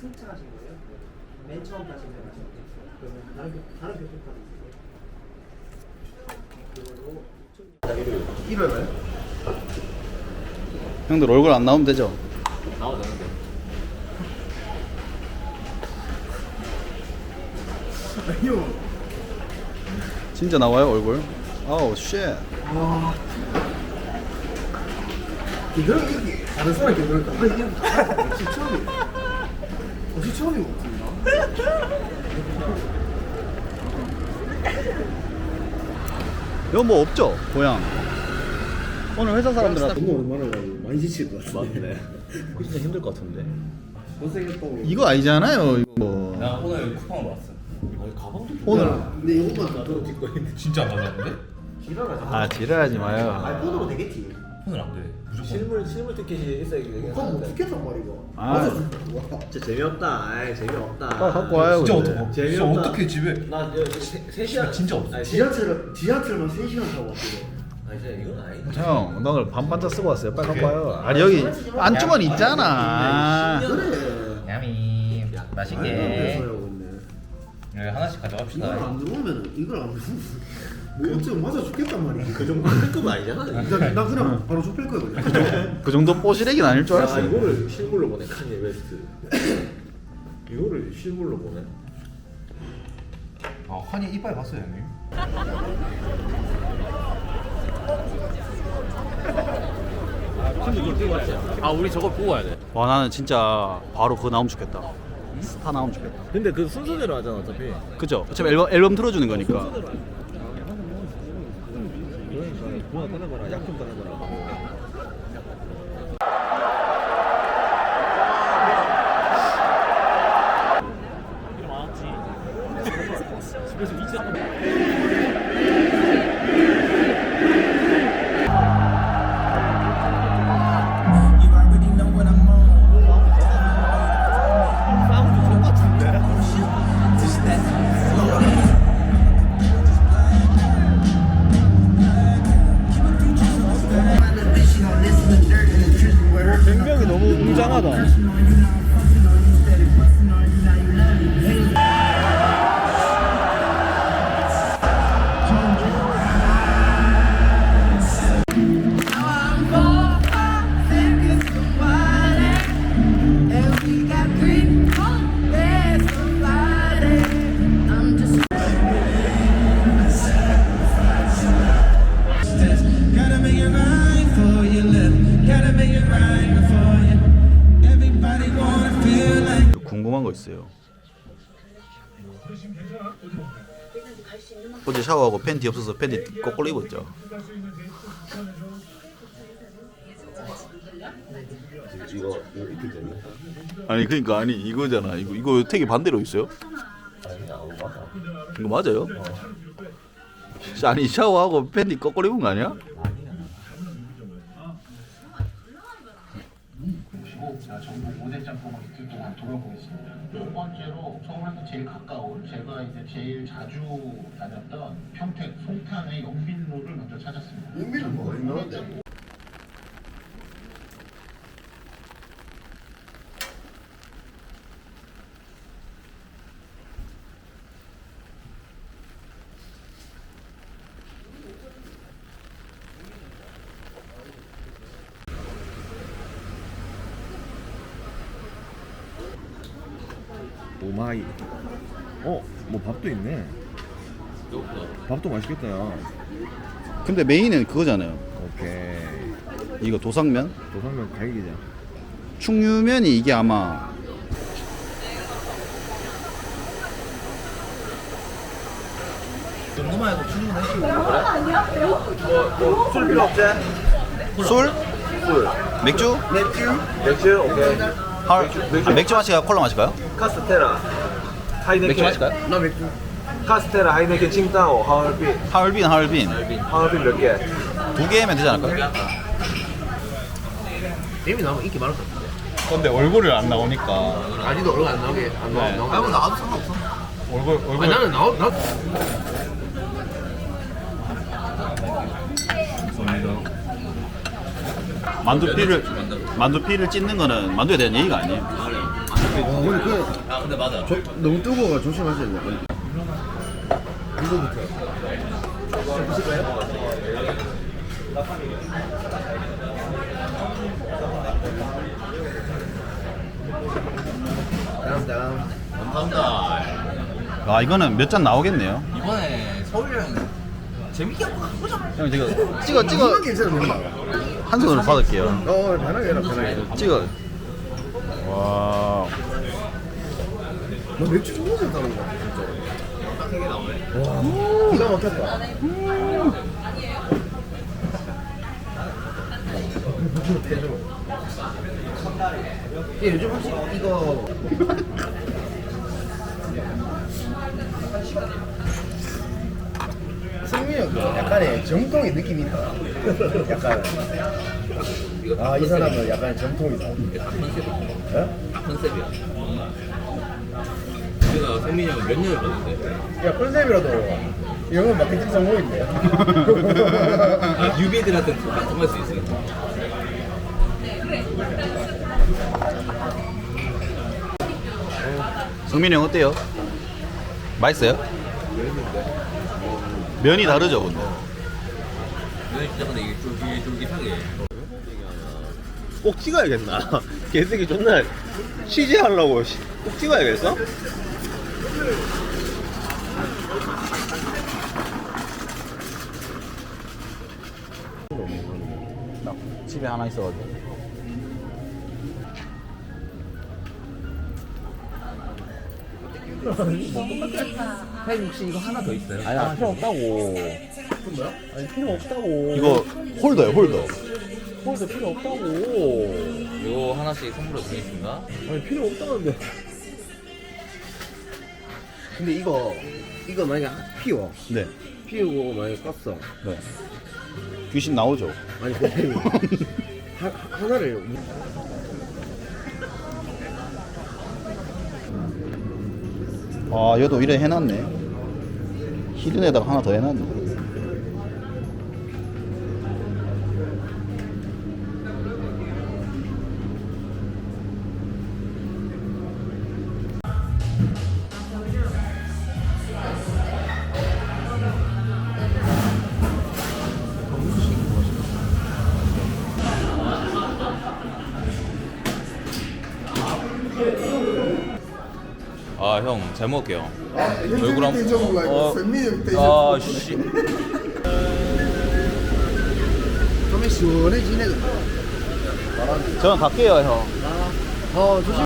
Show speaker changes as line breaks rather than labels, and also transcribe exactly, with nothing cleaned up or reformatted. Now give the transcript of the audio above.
승차하신 거예요? 맨 처음 타신 거 하신 거예요? 그러면 다른 교- 다른 교통카드 있으세요? 그걸로 일월에
형들 얼굴 안 나오면 되죠?
나와도 되는데.
아니요.
진짜 나와요 얼굴? 아우 쉣.
와. 이거는 이게 다른 사람 이거는 아 이게 역시 처음이에요. 역시 처음인 것 같습니다.
이거 뭐 없죠? 고향. 오늘 회사 사람들한테
너무 오랜만에 가지고 많이 지칠 것 같은데.
맞네. 진짜 힘들 것 같은데.
못생겼다고.
이거 아니잖아요 이거 뭐.
나 오늘 쿠팡을 봤어. 아니 가방도
오늘
근데 이것만 놔둬도 찍고 있는데.
진짜 안 가져왔는데?
지랄하지.
아 지랄하지 마요.
아이폰으로 되겠지.
폰은 안 돼. 무조건.
실물 실물 티켓이 있어야
그건 못 찍겠단 말이고.
아.
맞아. 와.
진짜 재미없다. 아이 재미없다.
빨리 갖고 와요.
진짜
근데.
어떡해. 진짜
재미없다.
어떻게 집에?
나 세 시간
진짜 없어.
아니, 세-
지하철 지하철만 세 시간 타고 왔거든.
아니 진짜 이건 아니.
형, 나 오늘 반반짝 쓰고 왔어요. 빨리 갖고 와요. 아니 여기 안주머니 있잖아.
그래.
야미.
아이폰
맛있게.
하고 있네.
여기 하나씩
이걸
가져갑시다.
안 들어오면 이걸 안 들어오면 뭐 어쩌면 맞아 죽겠단 말이야. 그 정도.
급은 아니잖아.
나, 나 그냥 바로 좁힐 거야 그냥.
그 정도 뽀시래기는 아닐 줄
야
알았어요.
이거를 실물로 보네 카니 웨스트. 이거를 실물로 보네.
아 환희 이빨 봤어요 형님?
아 우리 저걸 보고 와야 돼.
와 나는 진짜 바로 그거 나오면 좋겠다. 스타 나오면 좋겠다.
근데 그 순서대로 하잖아 어차피.
그죠? 어차피 앨범, 앨범 틀어주는 거니까.
그러니까 그만 따라봐라. 약 좀 따라봐라.
생명이 너무 웅장하다.
Gotta make it right for you, love. Gotta make it right before you. Everybody wanna feel like.
궁금한 거 있어요. 어제 샤워하고 팬티 없어서 팬티 거꾸로 입었죠.
이거 이거 입힐 때는.
아니 그러니까 아니 이거잖아. 이거 이거 택이 반대로 있어요?
아니 안 맞아.
이거 맞아요? 아니 샤워하고 팬티 거꾸로 입은 거 아니야?
자, 전국 오 대 짬뽕을 이틀 동안 돌아보겠습니다. 첫 번째로 서울에서 제일 가까운 제가 이제 제일 자주 다녔던 평택 송탄의 영빈로를 먼저 찾았습니다.
영빈은 뭐가 유명한데?
오마이. 어, 뭐 밥도 있네. 밥도 맛있겠다. 야.
근데 메인은 그거잖아요.
오케이.
이거 도상면?
도상면 갈기자.
충유면이 이게 아마
궁금해도 충분해.
술 필요 없지?
술?
술.
맥주?
맥주? 맥주? 오케이.
하, 맥주, 아, 맥주 마실까요? 콜라 마실까요?
카스테라. 하이네켄.
맥주 마실까요?
나 맥주.
카스테라, 하이네켄, 칭따오, 하얼빈.
하얼빈 하얼빈
하얼빈 몇 개?
두 개면 되지 않을까요?
이미 나오면 인기 많을 것 같은데.
근데 얼굴이 안 나오니까
아직도 얼굴 안 나오게 안 나와.
네.
나와. 아무 나와도 상관없어.
얼굴 얼굴
아니 나는 나오 나.
만두피를 만두피를 찢는 거는 만두에 대한 예의가 아니에요.
와 근데 그
아 근데 맞아.
조, 너무 뜨거워 조심하셔야 돼요. 이거부터. 다음 다음.
감사합니다.
아 이거는 몇 잔 나오겠네요.
이번에 서울 여행 재밌게 한번 가보자.
형 지금 찍어 찍어
이건 괜찮은 된다.
한 손으로 받을게요.
어 편하게 해라 편하게.
찍어. 와.
너 맥주 존나 잘 따는 거 같아 진짜.
세개 나오네.
와 기가 막혔다. 예, 요즘 혹시 이거 승민이 형 약간의 정통의 느낌이 있다. 약간 아 이 사람은 약간 정통이다.
다 컨셉이야.
예?
다 컨셉이야. 우리가 성민이 형을 몇 년을 봤는데.
야 컨셉이라도 이 형은 마케팅 성공인데.
아, 뉴비들한테 통할 수 있으니까.
성민이 형 어때요? 맛있어요? 면이 다르죠 근데.
면이 진짜 근데 이게 쫄깃쫄깃하게.
꼭 찍어야겠나? 개새끼 존나 취재하려고 씨. 꼭 찍어야겠어?
집에 하나 있어가지고.
사장님 혹시 이거 하나 더 있어요?
아니 필요 없다고. 뭐야? 아니 필요 없다고.
이거 홀더예요 홀더.
홀더 필요 없다고.
이거 하나씩 선물로 드리겠습니다.
아니 필요 없다는데.
근데 이거 이거 만약에 피워
네.
피우고 만약에 껐어.
네. 귀신 나오죠.
아니 근데 하, 하나를
아 얘도 이래 해놨네. 히든에다가 하나 더 해놨네.
아, 형, 잘 먹을게요. 얼굴 한
어,
아, 씨.
좀 시원해지네.
저는 갈게요 형.
어 조심.